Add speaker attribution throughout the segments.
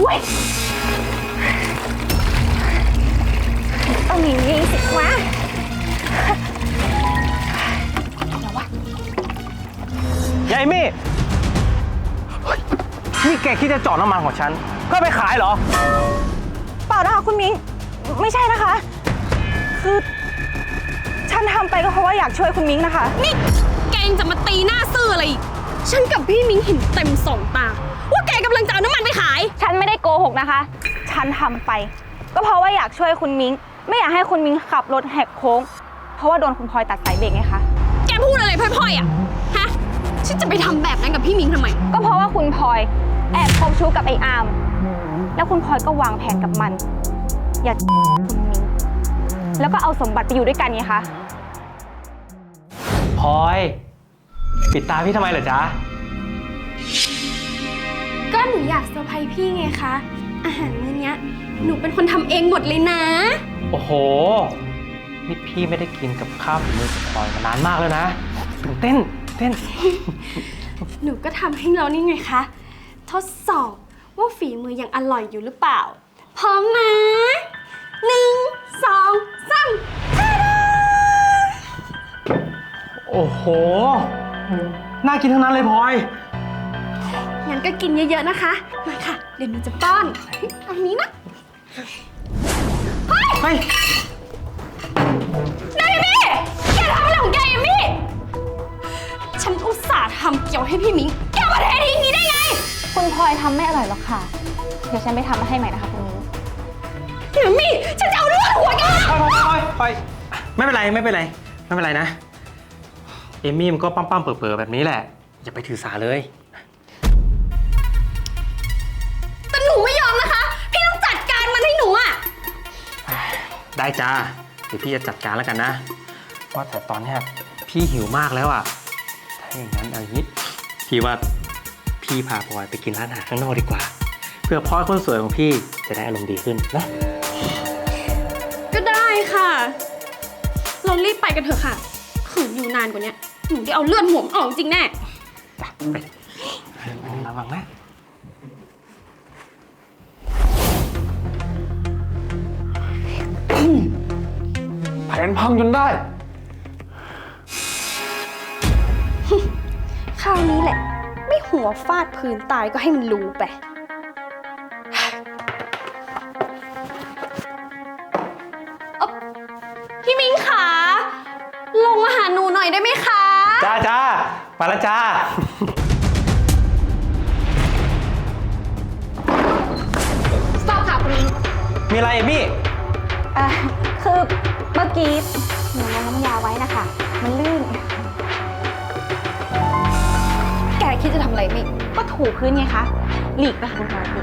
Speaker 1: ว้ยต้องอย่างนี้สิวะแล้ววะ
Speaker 2: ยายมี่นี่แกคิดจะจอดน้ำมันของฉันเพื่อไปขายเหรอ
Speaker 1: เปล่านะคะคุณมิ้งไม่ใช่นะคะ คือฉันทำไปก็เพราะว่าอยากช่วยคุณมิ้งนะคะ
Speaker 3: นี่แกยังจะมาตีหน้าซื่ออะไรอีกฉันกับพี่มิ้งเห็นเต็มสองตาว่าแกกำลังจะเอาน้ำมันไปขาย
Speaker 1: ฉันไม่ได้โกหกนะคะ ฉันทำไปก็เพราะว่าอยากช่วยคุณมิ้งไม่อยากให้คุณมิ้งขับรถแหกโค้งเพราะว่าโดนคุณพลอยตัดสายเบรกไงคะ
Speaker 3: แกพูดอะไรพล่อยๆอ่ะฮะฉันจะไปทำแบบนั้นกับพี่มิ้งทำไม
Speaker 1: ก็เพราะว่าคุณพลอยแอบคบชู้กับไอ้อามแล้วคุณพลอยก็วางแผนกับมันอยากคุณมิ้งแล้วก็เอาสมบัติไปอยู่ด้วยกันไงคะ
Speaker 2: พลอยปิดตาพี่ทำไมเหรอจ๊ะ
Speaker 3: ก็หนูอยากเซอร์ไพรส์พี่ไงคะอาหารมื้อนี้หนูเป็นคนทำเองหมดเลยนะ
Speaker 2: โอ้โหนี่พี่ไม่ได้กินกับข้าวฝีมือพลอยมานานมากแล้วนะตื่นเต้น
Speaker 3: หนูก็ทำให้เรานี่ไงคะทดสอบว่าฝีมือยังอร่อยอยู่หรือเปล่าพร้อมนะ1 2 3
Speaker 2: โอ้โหน่ากินทั้งนั้นเลยพลอย
Speaker 3: งั้นก็กินเยอะๆนะคะมาค่ะเดี๋ยวหนูจะป้อนอันนี้นะ
Speaker 2: เฮ้ย
Speaker 3: นายมี่แกทำอะไรของแกยมี่ฉันอุตส่าห์ทำเกี่ยวให้พี่มิ้งแกมาเททิ้งนี้ได้ไง
Speaker 1: คุณพลอยทำไม่อร่อยหรอกค่ะเดี๋ยวฉันไปทำมาให้ใหม่นะคะคุณมิ้ง
Speaker 3: ยมี่ฉันจะเอาเลือดหัวแก
Speaker 2: พลอยไม่เป็นไรนะเอมมี่มันก็ปั้มๆเป๋อๆแบบนี้แหละอย่าไปถือสาเลย
Speaker 3: แต่หนูไม่ยอมนะคะพี่ต้องจัดการมันให้หนูอะ
Speaker 2: ได้จ้าเดี๋ยวพี่จะจัดการแล้วกันนะว่าแต่ตอนนี้พี่หิวมากแล้วอ่ะถ้าอย่างนั้นเอาอย่างนี้พี่ว่าพี่พาพลอยไปกินร้านอาหารข้างนอกดีกว่าเพื่อพลอยคนสวยของพี่จะได้อารมณ์ดีขึ้นนะ
Speaker 3: ก็ได้ค่ะเรารีบไปกันเถอะค่ะขืนอยู่นานกว่านี้หนูได้เอาเลือดหวมออกจริงแน่
Speaker 2: ไประวังนะ
Speaker 4: แผนพังจนได้
Speaker 3: คราวนี้แหละไม่หัวฟาดพื้นตายก็ให้มันรู้ไปพี่มิ้งขาลงมาหาหนูหน่อยได้ไหมคะ
Speaker 2: จ้ามาแล้วจ้า
Speaker 3: สต็อปค่ะคุณมิ้ง
Speaker 2: มีอะไรมี่
Speaker 1: คือเมื่อกี้หนูลงน้ำยาไว้นะคะมันลื่น
Speaker 3: แกคิดจะทำอะไรมิ
Speaker 1: ก็ถูพื้นไงคะหลีกไปค่ะคุณพลอยหลีก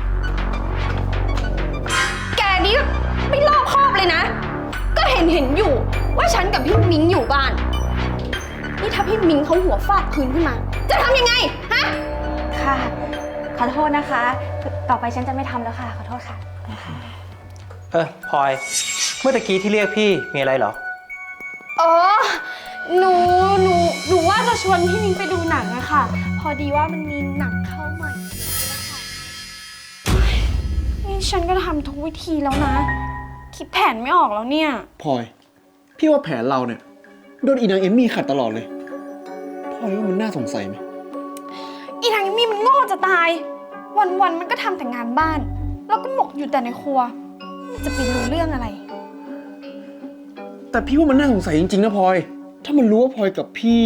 Speaker 3: แกนี่ไม่รอบคอบเลยนะก็เห็นอยู่ว่าฉันกับพี่มิ้งอยู่บ้านนี่ถ้าพี่มิ้งเขาหัวฟาดพื้นขึ้นมาจะทำยังไงฮะ
Speaker 1: ค่ะขอโทษนะคะต่อไปฉันจะไม่ทำแล้วค่ะขอโทษค่ะ
Speaker 2: พลอยเมื่อตะกี้ที่เรียกพี่มีอะไรเหรอ
Speaker 3: อ๋อหนูว่าจะชวนพี่มิ้งไปดูหนังอะค่ะพอดีว่ามันมีหนังเข้าใหม่นี่ฉันก็ทำทุกวิธีแล้วนะคิดแผนไม่ออกแล้วเนี่ย
Speaker 4: พลอยพี่ว่าแผนเราเนี่ยโดนอีนางเอมมี่ขัดตลอดเลยพลอยว่ามันน่าสงสัยไหม
Speaker 3: อีนางเอมมี่มันโง่จะตายวันมันก็ทำแต่งานบ้านแล้วก็หมกอยู่แต่ในครัวจะไปรู้เรื่องอะไร
Speaker 4: แต่พี่ว่ามันน่าสงสัยจริงๆนะพลอยถ้ามันรู้ว่าพลอยกับพี่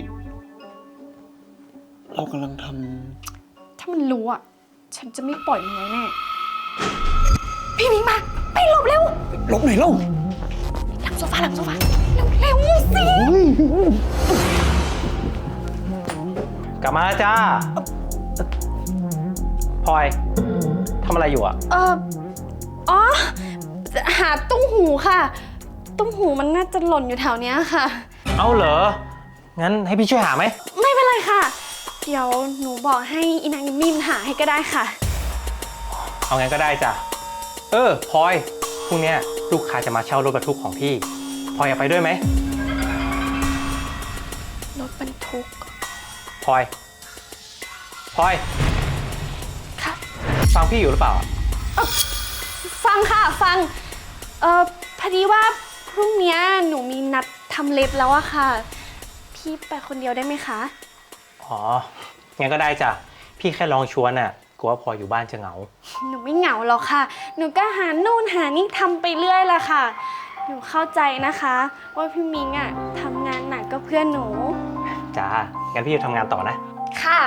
Speaker 4: เรากำลังท
Speaker 3: ำถ้ามันรู้อ่ะฉันจะไม่ปล่อยมันไว้แน่พี่มิ้งมาไปหลบเร็ว
Speaker 4: หลบไหนเล่า
Speaker 3: หลังโซฟาเร็วสิ
Speaker 2: กลับมาแล้วจ้าพลอยทำอะไรอยู่อ่ะ
Speaker 3: อ๋อหาตุ้งหูค่ะตุ้งหูมันน่าจะหล่นอยู่แถวเนี้ยค่ะ
Speaker 2: เอาเหรองั้นให้พี่ช่วยหาไหม
Speaker 3: ไม่เป็นไรค่ะเดี๋ยวหนูบอกให้อีนางมิมหาให้ก็ได้ค่ะ
Speaker 2: เอางั้นก็ได้จ้ะพลอยพรุ่งนี้ลูกค้าจะมาเช่ารถบรรทุกของพี่พลอยอยากไปด้วยไหม
Speaker 3: รถบรรทุก
Speaker 2: พลอย
Speaker 3: ค่ะ
Speaker 2: ฟังพี่อยู่หรือเปล่า
Speaker 3: ฟังค่ะฟังพอดีว่าพรุ่งนี้หนูมีนัดทำเล็บแล้วอะค่ะ พี่ไปคนเดียวได้ไหมคะ
Speaker 2: อ๋อ งั้นก็ได้จ้ะ พี่แค่ลองชวนน่ะ กลัวว่าพลอยอยู่บ้านจะเหงา
Speaker 3: หนูไม่เหงาหรอกค่ะ หนูก็หานู่นหานี่ทำไปเรื่อยละค่ะ หนูเข้าใจนะคะ ว่าพี่มิงอะทำงานหนักก็เพื่อนหนู
Speaker 2: จ้า งั้นพี่จะทำงานต่อนะ
Speaker 3: ค่ะ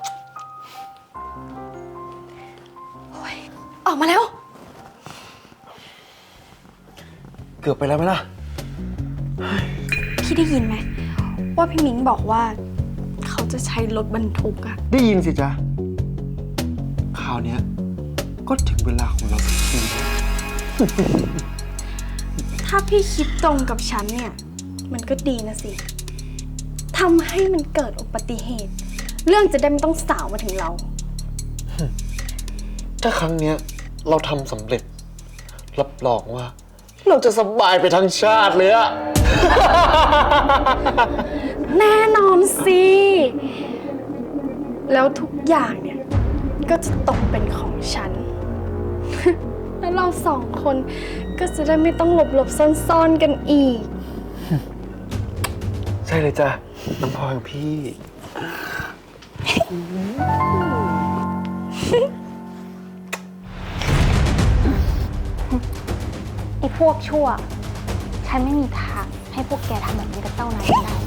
Speaker 3: โอ๊ยออกมาแล้ว
Speaker 4: เกือบไปแล้วไหมล่ะ
Speaker 3: พี่ได้ยินไหมว่าพี่มิงบอกว่า เขาจะใช้รถบรรทุกอะ
Speaker 4: ได้ยินสิจ๊ะคราวเนี้ยก็ถึงเวลาของเราสักที
Speaker 3: ถ้าพี่คิดตรงกับฉันเนี่ย มันก็ดีนะสิทำให้มันเกิดอุบัติเหตุ เรื่องจะได้ไม่ต้องสาวมาถึงเรา
Speaker 4: ถ้าครั้งเนี้ยเราทำสำเร็จ รับรองว่า เราจะสบายไปทั้งชาติเลยอะ
Speaker 3: แน่นอนสิ แล้วทุกอย่างเนี่ยก็จะตกเป็นของฉัน แล้วเราสองคนก็จะได้ไม่ต้องหลบซ่อนๆกันอีก
Speaker 4: ใช่เลยจ้ะน้ำพลอยของพี่
Speaker 1: ไอ้พวกชั่ว ฉันไม่มีทางให้พวกแกทำแบบนี้กับเจ้านายได้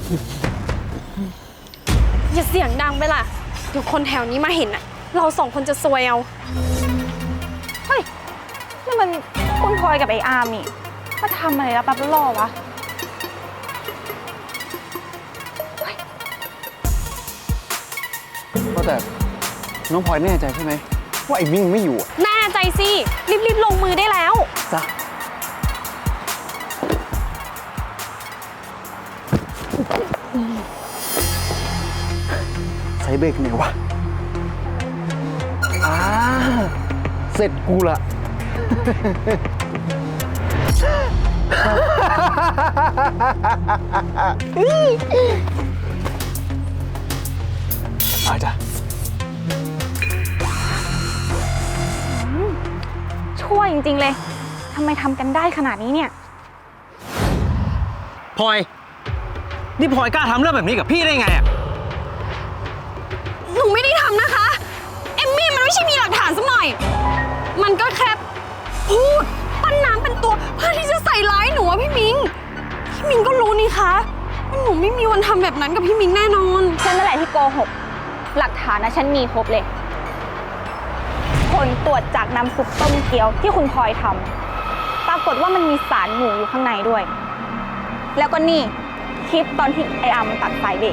Speaker 3: อย่าเสียงดังไปล่ะเดี๋ยวคนแถวนี้มาเห็นอะเราสองคนจะซวยเอา
Speaker 1: เฮ้ยนี่มันคุณพลอยกับไอ้อาร์มนี่มาทำอะไรแล้วปั๊บล่อวะ
Speaker 4: ว่าแต่น้องพลอยแน่ใจใช่ไหมว่าไอ้มิ่งไม่อยู่อะ
Speaker 3: แน่ใจสิ รีบๆลงมือได้แล้ว
Speaker 4: จ้ะใส่เบรกไหนวะเสร็จกูละ ไปจ้ะ
Speaker 1: ชั่วจริงๆเลยทำไมทำกันได้ขนาดนี้เนี่ย
Speaker 2: พลอย นี่พลอยกล้าทำเรื่องแบบนี้กับพี่ได้ไงอ่ะ
Speaker 3: หนูไม่ได้ทำนะคะ เอมมี่มันไม่ใช่มีหลักฐานสักหน่อย มันก็แค่พูดปั้นน้ำเป็นตัวเพื่อที่จะใส่ร้ายหนูอะพี่มิง พี่มิงก็รู้นี่คะว่าหนูไม่มีวันทำแบบนั้นกับพี่มิงแน่นอน
Speaker 1: ฉันนั่นแหละที่โกหก หลักฐานนะฉันมีครบเลย ผลตรวจจากน้ำซุปต้มเกี๊ยวที่คุณพลอยทำปรากฏว่ามันมีสารหมูอยู่ข้างในด้วย แล้วก็นี่คลิปตอนที่ไออาร์มมันตัดสายเบรก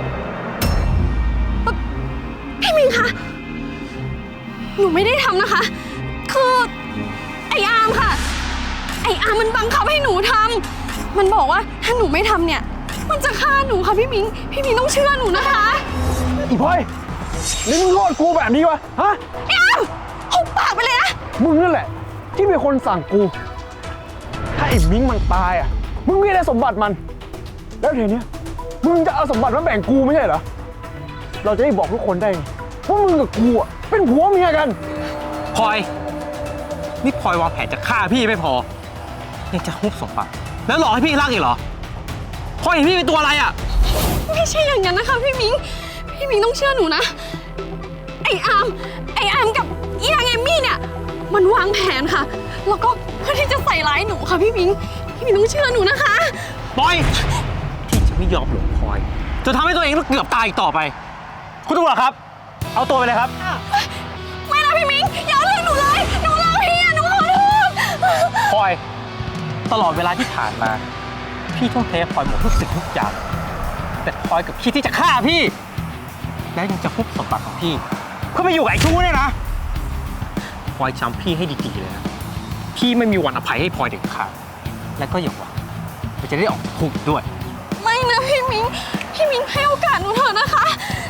Speaker 3: พี่มิงคะ หนูไม่ได้ทำนะคะ คือไออาร์มค่ะ ไออาร์มมันบังคับให้หนูทำ มันบอกว่าถ้าหนูไม่ทำเนี่ย มันจะฆ่าหนูค่ะพี่มิง พี่มิงต้องเชื่อหนูนะคะ
Speaker 4: อีพลอยนี่มึงโทษกูแบบนี้วะ ฮะ
Speaker 3: ไออาร์มหุบปากไปเลยนะ
Speaker 4: มึงนั่นแหละ ที่เป็นคนสั่งกู ถ้าไอ้มิ้งมันตายอ่ะ มึงไม่ได้สมบัติมัน แล้วทีเนี้ยมึงจะเอาสมบัติมาแบ่งกูไม่ใช่เหรอ เราจะได้บอกทุกคนได้ไงว่ามึงกับกูอ่ะเป็นผัวเมียกัน
Speaker 2: พลอย นี่พลอยวางแผนจะฆ่าพี่ไม่พอ ยังจะฮุบสมบัติแล้วหลอกให้พี่รักอีกเหรอ พลอยเห็นพี่เป็นตัวอะไรอ่ะ
Speaker 3: ไม่ใช่อย่างนั้นนะคะพี่มิง พี่มิงต้องเชื่อหนูนะ ไออาร์มกับอีนางเอมมี่เนี่ย มันวางแผนค่ะ แล้วก็เพื่อที่จะใส่ร้ายหนูค่ะพี่มิง พี่มิงต้องเชื่อหนูนะคะ
Speaker 2: ปล่อย พี่จะไม่ยอมหลงพลอยจะทำให้ตัวเองต้องเกือบตายอีกต่อไป คุณตำรวจครับ เอาตัวไปเลยครับ
Speaker 3: ไม่นะพี่มิง อย่าเอาเรื่องหนูเลย หนูรักพี่อะหนูขอโทษ
Speaker 2: พลอย ตลอดเวลาที่ผ่านมา พี่ทุ่มเทให้พลอยหมดทุกสิ่งทุกอย่าง แต่พลอยกับคิดที่จะฆ่าพี่ และยังจะฮุบสมบัติของพี่ เพื่อไปอยู่กับไอ้ชู้เนี่ยนะพลอยจำพี่ให้ดีๆเลยนะ พี่ไม่มีวันอภัยให้พลอยเด็ดขาด และก็อย่าหวังว่าจะได้ออกจากคุกอีกด้วย
Speaker 3: ไม่นะพี่มิง พี่มิงให้โอกาสหนูเถอะนะคะ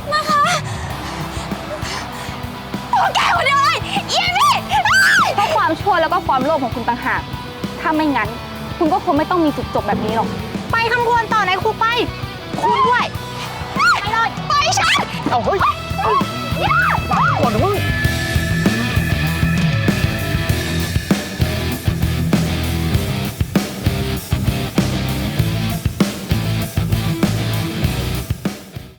Speaker 3: ตัวแกคนเดียวเลยเอียนี่
Speaker 1: เพราะความชั่วแล้วก็ความโลภของคุณต่างหาก ถ้าไม่งั้น คุณก็คงไม่ต้องมีจุดจบแบบนี้หรอก ไปคำพวนต่อในคุกไป คุณด้วย ไปเลย
Speaker 3: ไปฉัน
Speaker 4: เอาเฮ้ย
Speaker 3: อย่า
Speaker 4: ก่อนนะมึง